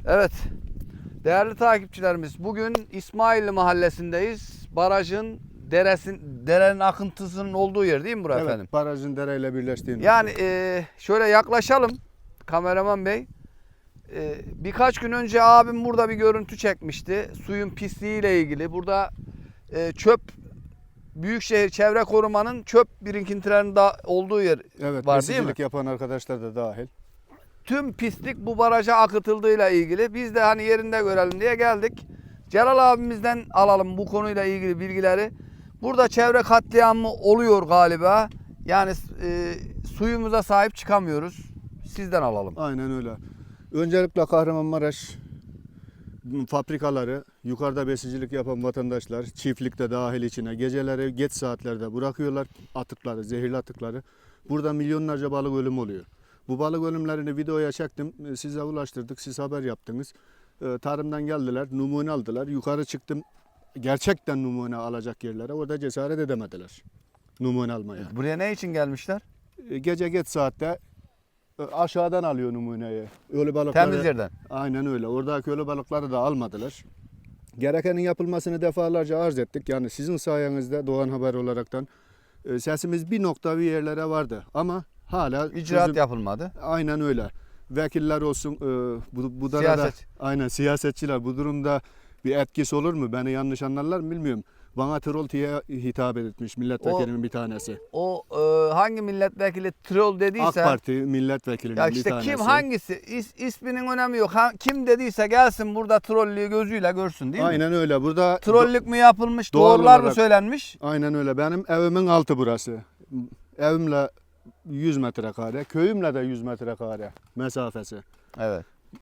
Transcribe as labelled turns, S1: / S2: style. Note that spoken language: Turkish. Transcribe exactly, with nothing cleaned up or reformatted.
S1: Evet, değerli takipçilerimiz, bugün İsmailli mahallesindeyiz. Barajın, deresin, derenin akıntısının olduğu yer değil mi burası
S2: Evet,
S1: efendim?
S2: barajın dereyle birleştiği nokta.
S1: Yani e, şöyle yaklaşalım kameraman bey. E, birkaç gün önce abim burada bir görüntü çekmişti. Suyun pisliğiyle ilgili. Burada e, çöp, Büyükşehir Çevre Koruma'nın çöp birikintilerinin da olduğu yer
S2: Evet,
S1: var değil mi?
S2: besicilik yapan arkadaşlar da dahil.
S1: Tüm pislik bu baraja akıtıldığıyla ilgili. Biz de hani yerinde görelim diye geldik. Celal abimizden alalım bu konuyla ilgili bilgileri. Burada çevre katliamı oluyor galiba. Yani e, suyumuza sahip çıkamıyoruz. Sizden alalım.
S2: Aynen öyle. Öncelikle Kahramanmaraş fabrikaları, yukarıda besicilik yapan vatandaşlar, çiftlikte dahil içine geceleri geç saatlerde bırakıyorlar atıkları, zehirli atıkları. Burada milyonlarca balık ölümü oluyor. Bu balık ölümlerini videoya çektim, size ulaştırdık, siz haber yaptınız. Tarımdan geldiler, numune aldılar. Yukarı çıktım, gerçekten numune alacak yerlere. Orada cesaret edemediler numune almaya.
S1: Buraya ne için gelmişler?
S2: Gece geç saatte aşağıdan alıyor numuneyi. Ölü balıkları.
S1: Temiz yerden.
S2: Aynen öyle. Oradaki ölü balıkları da almadılar. Gerekenin yapılmasını defalarca arz ettik. Yani sizin sayenizde Doğan Haber olaraktan sesimiz bir nokta bir yerlere vardı. Ama hala
S1: İcraat
S2: çözüm-
S1: yapılmadı.
S2: Aynen öyle. Vekiller olsun, bu, bu da
S1: Siyaset.
S2: aynen siyasetçiler bu durumda bir etkisi olur mu? Beni yanlış anlarlar mı bilmiyorum. Bana troll diye hitap etmiş milletvekilinin bir tanesi.
S1: O e, hangi milletvekili troll dediyse.
S2: AK Parti milletvekilinin
S1: Ya
S2: bir
S1: işte
S2: tanesi.
S1: kim hangisi is, isminin önemi yok. Ha, kim dediyse gelsin burada trollüğü gözüyle görsün değil mi?
S2: Aynen öyle. Burada
S1: Trollük mü yapılmış,
S2: Doğal
S1: doğrular mı
S2: olarak-
S1: söylenmiş?
S2: aynen öyle. Benim evimin altı burası. Evimle yüz metrekare, köyümle de yüz metrekare mesafesi.
S1: Evet.